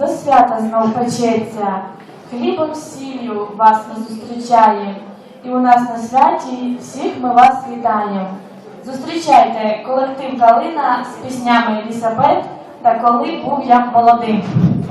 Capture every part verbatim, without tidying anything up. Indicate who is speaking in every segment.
Speaker 1: до свята знов печеться, хлібом сіллю вас ми зустрічаєм, і у нас на святі всіх ми вас вітаєм. Зустрічайте колектив «Калина» з піснями «Елісабет» та «Коли був я молодим».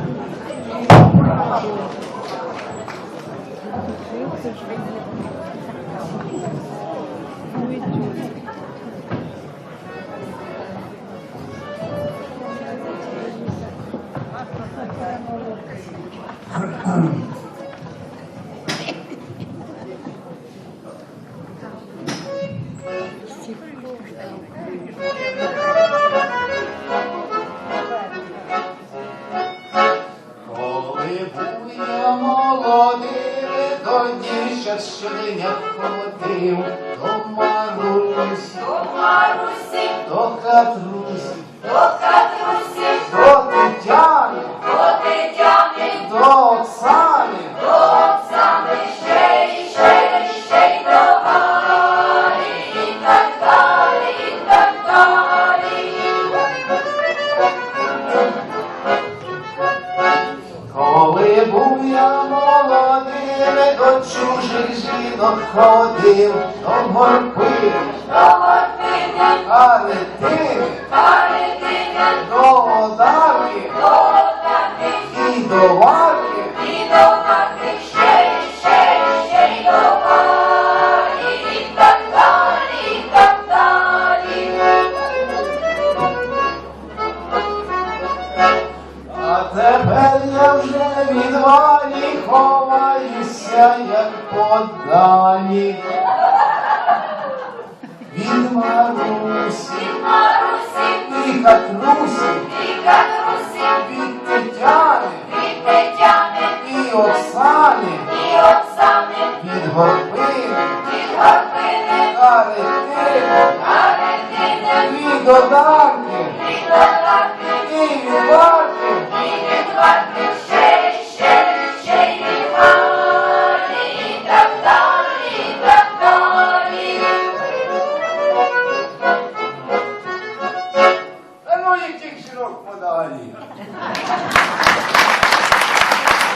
Speaker 2: Щодня ходив до Марусі, до Марусі, до Катрусі, до Катрусі, до Тетяни, до Тетяни, до Оксани, до Оксани, ще й ще й ще й до Галі, і так далі, і так далі. Коли був я молодим, до чужих жінок ходив, до горпини, до горпини, каретини, каретини, до одарки, до одарки, і до варки, і до варки, ще й ще й ще й до варі, і так далі, і так далі. А тепер я вже від Валі ховаюся, як подалі. Від Марусі, від Марусі, і Катрусі, і Катрусі, від Тетяни, від Тетяни, і Оксани, і Оксани, від Горпини, від Горпини, Каретини, Каретини, від Одарки, від Одарки, і від Варки, і від Варки.